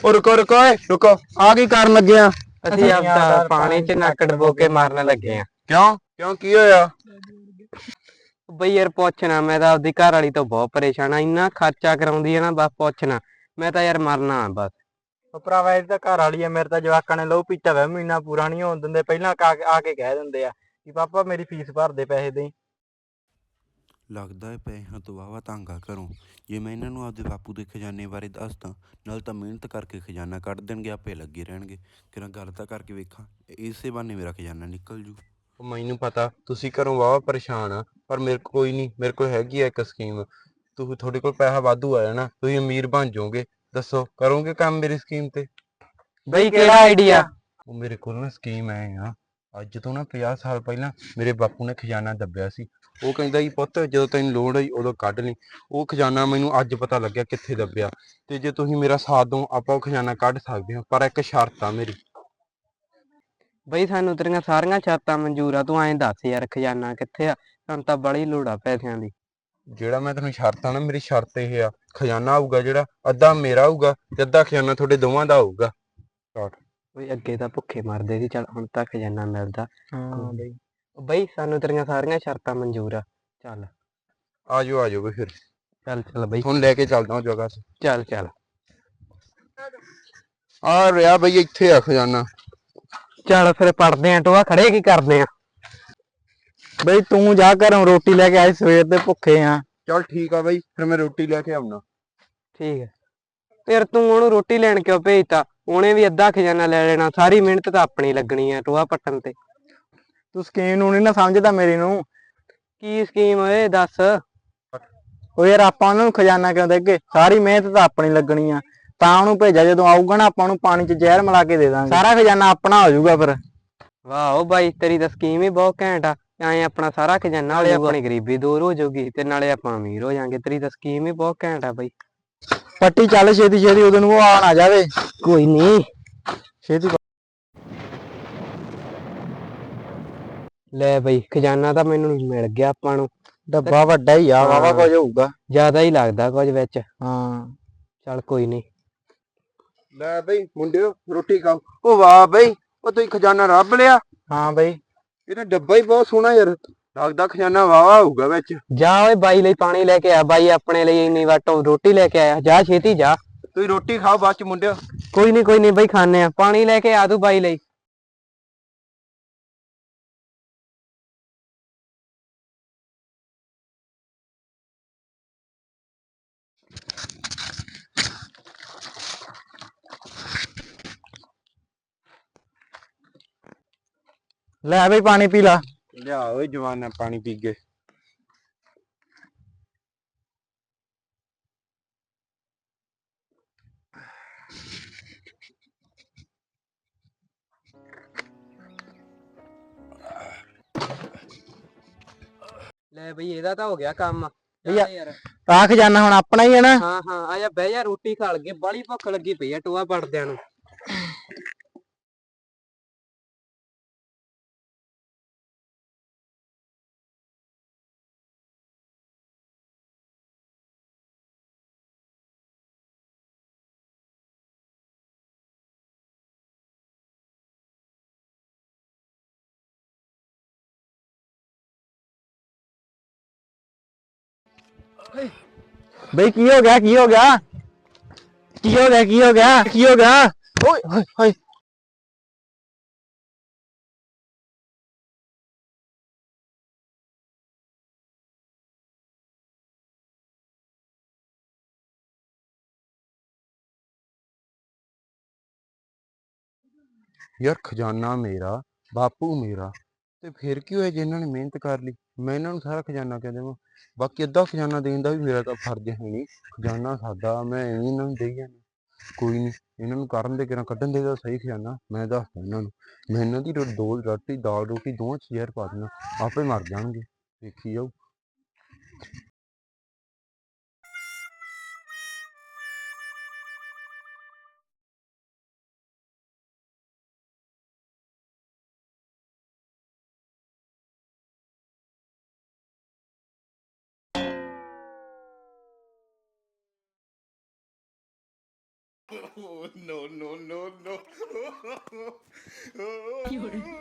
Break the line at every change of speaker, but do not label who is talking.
ਉਹ ਰੁਕੋ ਰੁਕੋ ਓਏ ਰੁਕੋ, ਆ ਕੀ ਕਰਨ ਲੱਗੇ ਆ?
ਅਸੀਂ ਆਪਦਾ ਪਾਣੀ 'ਚ ਨੱਕ ਡੁਬੋ ਕੇ ਮਾਰਨ ਲੱਗੇ ਆ।
ਕਿਉਂ ਕਿਉਂ ਕੀ ਹੋਇਆ?
ਬਈ ਯਾਰ ਪੁੱਛਣਾ, ਮੈਂ ਤਾਂ ਆਪਦੀ ਘਰ ਵਾਲੀ ਤੋਂ ਬਹੁਤ ਪਰੇਸ਼ਾਨ ਆ। ਇੰਨਾ ਖਰਚਾ ਕਰਾਉਂਦੀ ਆ ਨਾ, ਬਸ ਪੁੱਛਣਾ। ਮੈਂ ਤਾਂ ਯਾਰ ਮਰਨਾ ਬਸ।
ਉਹ ਭਰਾਵਾ ਇਹ ਤਾਂ ਘਰ ਵਾਲੀ ਆ, ਮੇਰੇ ਤਾਂ ਜਵਾਕਾਂ ਨੇ ਲਹੂ ਪੀਤਾ ਵਾ, ਮਹੀਨਾ ਪੂਰਾ ਨਹੀਂ ਹੋਣ ਦਿੰਦੇ। ਪਹਿਲਾਂ ਆ ਕੇ ਕਹਿ ਦਿੰਦੇ ਆ ਕਿ ਪਾਪਾ ਮੇਰੀ ਫੀਸ ਭਰਦੇ ਪੈਸੇ ਦੇ।
ਲੱਗਦਾ ਹੈ ਪੈਸਿਆਂ ਤੋਂ ਵਾਹਵਾ ਤੰਗ ਆ ਘਰੋਂ। ਜੇ ਮੈਂ ਇਹਨਾਂ ਨੂੰ ਆਪਦੇ ਬਾਪੂ ਦੇ ਖਜ਼ਾਨੇ ਬਾਰੇ ਦੱਸਦਾ, ਨਾਲ ਤਾਂ ਮਿਹਨਤ ਕਰਕੇ ਖਜ਼ਾਨਾ ਕੱਢ ਦੇਣਗੇ, ਆਪੇ ਲੱਗੇ ਰਹਿਣਗੇ। ਕਿਰਾਂ ਗੱਲ ਤਾਂ ਕਰਕੇ ਵੇਖਾਂ, ਇਸੇ ਬਹਾਨੇ ਮੇਰਾ ਖਜ਼ਾਨਾ ਨਿਕਲ ਜੂ।
ਮੈਨੂੰ ਪਤਾ ਤੁਸੀਂ ਘਰੋਂ ਵਾਹਵਾ ਪਰੇਸ਼ਾਨ ਆ, ਪਰ ਮੇਰੇ ਕੋਲ ਕੋਈ ਨਹੀਂ, ਮੇਰੇ ਕੋਲ ਹੈਗੀ ਆ ਇੱਕ ਸਕੀਮ। ਤੁਹਾਡੇ ਕੋਲ ਪੈਸਾ ਵਾਧੂ ਆ ਜਾਣਾ, ਤੁਸੀਂ ਅਮੀਰ ਬਣ ਜਾਓਗੇ। ਦੱਸੋ ਕਰੋਗੇ ਕੰਮ ਮੇਰੀ ਸਕੀਮ ਤੇ?
ਬਈ ਕਿਹੜਾ ਆਈਡੀਆ?
ਉਹ ਮੇਰੇ ਕੋਲ ਨਾ ਸਕੀਮ ਐ ਆ, ਅੱਜ ਤੋਂ ਨਾ 50 ਸਾਲ ਪਹਿਲਾਂ ਮੇਰੇ ਬਾਪੂ ਨੇ ਖਜ਼ਾਨਾ ਦੱਬਿਆ ਸੀ। ਉਹ ਕਹਿੰਦਾ ਸੀ ਪੁੱਤ ਜਦੋਂ ਤੈਨੂੰ ਲੋੜ ਹੋਈ ਉਦੋਂ ਕੱਢ ਲਈ। ਉਹ ਖਜ਼ਾਨਾ ਮੈਨੂੰ ਅੱਜ ਪਤਾ ਲੱਗਿਆ ਕਿੱਥੇ ਦੱਬਿਆ, ਤੇ ਜੇ ਤੁਸੀਂ ਮੇਰਾ ਸਾਥ ਦਿਓ ਆਪਾਂ ਉਹ ਖਜ਼ਾਨਾ ਕੱਢ ਸਕਦੇ ਹਾਂ, ਪਰ ਇੱਕ ਸ਼ਰਤ ਆ ਮੇਰੀ।
ਬਈ ਸਾਨੂੰ ਤੇਰੀਆਂ ਸਾਰੀਆਂ ਸ਼ਰਤਾਂ ਮਨਜ਼ੂਰ ਆ, ਤੂੰ ਐਂ ਦੱਸ ਯਾਰ ਖਜ਼ਾਨਾ ਕਿੱਥੇ ਆ? ਸਾਨੂੰ ਤਾਂ ਬੜੀ ਲੋੜ ਆ ਪੈਸਿਆਂ ਦੀ।
ਜਿਹੜਾ ਮੈਂ ਤੈਨੂੰ ਸ਼ਰਤ ਆ ਨਾ, ਮੇਰੀ ਸ਼ਰਤ ਇਹ ਆ, ਖਜ਼ਾਨਾ ਆਊਗਾ ਜਿਹੜਾ ਅੱਧਾ ਮੇਰਾ ਆਊਗਾ ਤੇ ਅੱਧਾ ਖਜ਼ਾਨਾ ਤੁਹਾਡੇ ਦੋਵਾਂ ਦਾ ਆਊਗਾ।
ਬਈ ਅੱਗੇ ਤਾਂ ਭੁੱਖੇ ਮਰਦੇ ਸੀ, ਚੱਲ ਹੁਣ ਤਾਂ ਖਜ਼ਾਨਾ ਮਿਲਦਾ।
ਹਾਂ ਬਈ।
ਬਈ ਸਾਨੂੰ ਤੇਰੀਆਂ ਸਾਰੀਆਂ ਸ਼ਰਤਾਂ ਮਨਜ਼ੂਰ ਆ, ਚੱਲ।
ਆ ਜਾਓ ਬਈ ਫਿਰ,
ਚੱਲ ਚੱਲ ਬਈ,
ਤੁਹਾਨੂੰ ਲੈ ਕੇ ਚੱਲਦਾ ਉਹ ਜਗ੍ਹਾ ਤੇ।
ਚੱਲ ਚੱਲ।
ਆ ਰਿਹਾ ਬਈ, ਇੱਥੇ ਆ ਖਜ਼ਾਨਾ।
ਚੱਲ ਫਿਰ ਪੜਦੇ ਆਂ, ਟੋਆ ਖੜੇ ਕੀ ਕਰਦੇ ਆ?
ਬਈ ਤੂੰ ਜਾ ਘਰੋਂ ਰੋਟੀ ਲੈ ਕੇ ਆਏ, ਸਵੇਰ ਦੇ ਭੁੱਖੇ ਆ।
ਚੱਲ ਠੀਕ ਆ ਬਈ, ਫਿਰ ਮੈਂ ਰੋਟੀ ਲੈ ਕੇ ਆਉਣਾ।
ਠੀਕ ਹੈ। ਫਿਰ ਤੂੰ ਉਹਨੂੰ ਰੋਟੀ ਲੈਣ ਕਿਉਂ ਭੇਜਤਾ? ਉਹਨੇ ਵੀ ਅੱਧਾ ਖਜ਼ਾਨਾ ਲੈ ਲੈਣਾ, ਸਾਰੀ ਮਿਹਨਤ ਤਾਂ ਆਪਣੀ ਲੱਗਣੀ ਆ ਟੋਆ ਪੱਟਣ ਤੇ।
ਤੂੰ ਸਕੀਮ ਨੂੰ ਨਹੀਂ ਨਾ ਸਮਝਦਾ ਮੇਰੀ ਨੂੰ।
ਕੀ ਸਕੀਮ ਓਏ ਦੱਸ?
ਉਹ ਯਾਰ ਆਪਾਂ ਉਹਨਾਂ ਨੂੰ ਖਜ਼ਾਨਾ ਕਿਉਂ ਦੇਗੇ? ਸਾਰੀ ਮਿਹਨਤ ਤਾਂ ਆਪਣੀ ਲੱਗਣੀ ਆ। ਤਾਂ ਉਹਨੂੰ ਭੇਜਿਆ, ਜਦੋਂ ਆਊਗਾ ਨਾ ਆਪਾਂ ਉਹਨੂੰ ਪਾਣੀ 'ਚ ਜ਼ਹਿਰ ਮਿਲਾ ਕੇ ਦੇ ਦਾਂਗੇ, ਸਾਰਾ ਖਜ਼ਾਨਾ ਆਪਣਾ ਹੋ ਜਾਊਗਾ ਫਿਰ।
ਵਾਹ ਓ ਬਾਈ, ਤੇਰੀ ਤਾਂ ਸਕੀਮ ਹੀ ਬਹੁਤ ਘੈਂਟ ਆ। ਐਂ ਆਪਣਾ ਸਾਰਾ ਖਜ਼ਾਨਾ ਹੋ ਜਾਊਗਾ, ਆਪਣੀ ਗਰੀਬੀ ਦੂਰ ਹੋ ਜਾਊਗੀ ਤੇ ਨਾਲੇ ਆਪਾਂ ਅਮੀਰ ਹੋ ਜਾਾਂਗੇ। ਤੇਰੀ ਤਾਂ ਸਕੀਮ ਹੀ ਬਹੁਤ ਘੈਂਟ ਆ ਬਾਈ।
ਪੱਟੀ ਚੱਲ ਛੇਤੀ ਛੇਤੀ, ਉਦੋਂ ਨੂੰ ਉਹ ਆ ਨਾ ਜਾਵੇ।
ਕੋਈ ਨੀ।
ਛੇਤੀ।
ਲੈ ਬਈ, ਖਜ਼ਾਨਾ ਤਾਂ ਮੈਨੂੰ ਮਿਲ ਗਿਆ ਆਪਾਂ ਨੂੰ।
ਡੱਬਾ ਵੱਡਾ ਹੀ ਆ, ਵਾਵਾ ਕੁਝ ਹੋਊਗਾ।
ਜ਼ਿਆਦਾ ਹੀ ਲੱਗਦਾ ਕੁਝ ਵਿੱਚ।
ਹਾਂ
ਚੱਲ ਕੋਈ ਨੀ।
ਲੈ ਬਈ ਮੁੰਡਿਓ, ਰੋਟੀ ਖਾਓ। ਉਹ ਵਾਹ ਬਈ, ਉਹ ਤੁਸੀਂ ਖਜ਼ਾਨਾ ਰੱਬ ਲਿਆ।
ਹਾਂ ਬਈ।
ਇਹਦਾ ਡੱਬਾ ਹੀ ਬਹੁਤ ਸੋਹਣਾ ਯਾਰ, ਲੱਗਦਾ ਖਜ਼ਾਨਾ ਵਾਵਾ ਹੋਊਗਾ ਵਿੱਚ।
ਜਾ ਓਏ ਬਾਈ ਲਈ ਪਾਣੀ ਲੈ ਕੇ ਆ, ਬਾਈ ਆਪਣੇ ਲਈ ਇੰਨੀ ਵਾਟੋਂ ਰੋਟੀ ਲੈ ਕੇ ਆਇਆ। ਜਾ ਛੇਤੀ ਜਾ।
ਤੁਸੀਂ ਰੋਟੀ ਖਾਓ ਬਾਅਦ ਚ ਮੁੰਡਿਓ।
ਕੋਈ ਨੀ ਬਈ, ਖਾਣੇ ਆ। ਪਾਣੀ ਲੈ ਕੇ ਆ ਤੂੰ ਬਾਈ ਲਈ।
ਲੈ ਬਈ ਪਾਣੀ ਪੀ ਲਾ।
ਲਿਆ ਓਏ ਜਵਾਨਾ, ਪਾਣੀ ਪੀ ਗਏ।
ਲੈ ਬਈ, ਇਹਦਾ ਤਾਂ ਹੋ ਗਿਆ ਕੰਮ।
ਭਈਆ,
ਯਾਰ
ਆਹ ਖਜ਼ਾਨਾ ਹੁਣ ਆਪਣਾ ਹੀ ਹੈ ਨਾ?
ਹਾਂ ਹਾਂ, ਆ ਜਾ ਬਹਿ ਜਾ, ਰੋਟੀ ਖਾ ਲਈਏ, ਬਾਹਲੀ ਭੁੱਖ ਲੱਗੀ ਪਈ ਆ ਟੋਆ ਪੜਦਿਆਂ ਨੂੰ।
ਬਈ ਕੀ ਹੋ ਗਿਆ, ਕੀ ਹੋ ਗਿਆ, ਕੀ ਹੋ ਗਿਆ, ਕੀ ਹੋ ਗਿਆ, ਕੀ ਹੋ ਗਿਆ? ਓਏ ਹੋਏ ਹੋਏ।
ਯਾਰ ਖਜ਼ਾਨਾ ਮੇਰਾ, ਬਾਪੂ ਮੇਰਾ, ਤੇ ਫਿਰ ਕੀ ਹੋਇਆ ਜੇ ਇਹਨਾਂ ਨੇ ਮਿਹਨਤ ਕਰ ਲਈ? ਮੈਂ ਇਹਨਾਂ ਨੂੰ ਸਾਰਾ ਖਜ਼ਾਨਾ ਕਿਉਂ ਦੇਵਾਂ? ਬਾਕੀ ਅੱਧਾ ਖਜ਼ਾਨਾ ਦੇਣ ਦਾ ਵੀ ਮੇਰਾ ਤਾਂ ਫਰਜ਼ ਹੈ ਨਹੀਂ। ਖਜ਼ਾਨਾ ਸਾਡਾ, ਮੈਂ ਐਵੇਂ ਇਹਨਾਂ ਨੂੰ ਦੇਈ ਜਾਣਾ। ਕੋਈ ਨਹੀਂ, ਇਹਨਾਂ ਨੂੰ ਕਰਨ ਦੇ, ਕਿਰਾਂ ਕੱਢਣ ਦੇ ਤਾਂ ਸਹੀ ਖਜ਼ਾਨਾ। ਮੈਂ ਦੱਸਦਾ ਇਹਨਾਂ ਨੂੰ, ਮੈਂ ਇਹਨਾਂ ਦੀ ਰੋਟੀ ਦਾਲ ਰੋਟੀ ਦੋਵਾਂ 'ਚ ਜ਼ਹਿਰ ਪਾ ਦੇਣਾ, ਆਪੇ ਮਰ ਜਾਣਗੇ। ਦੇਖੀ ਜਾਊ।
Oh, no, no, no, no.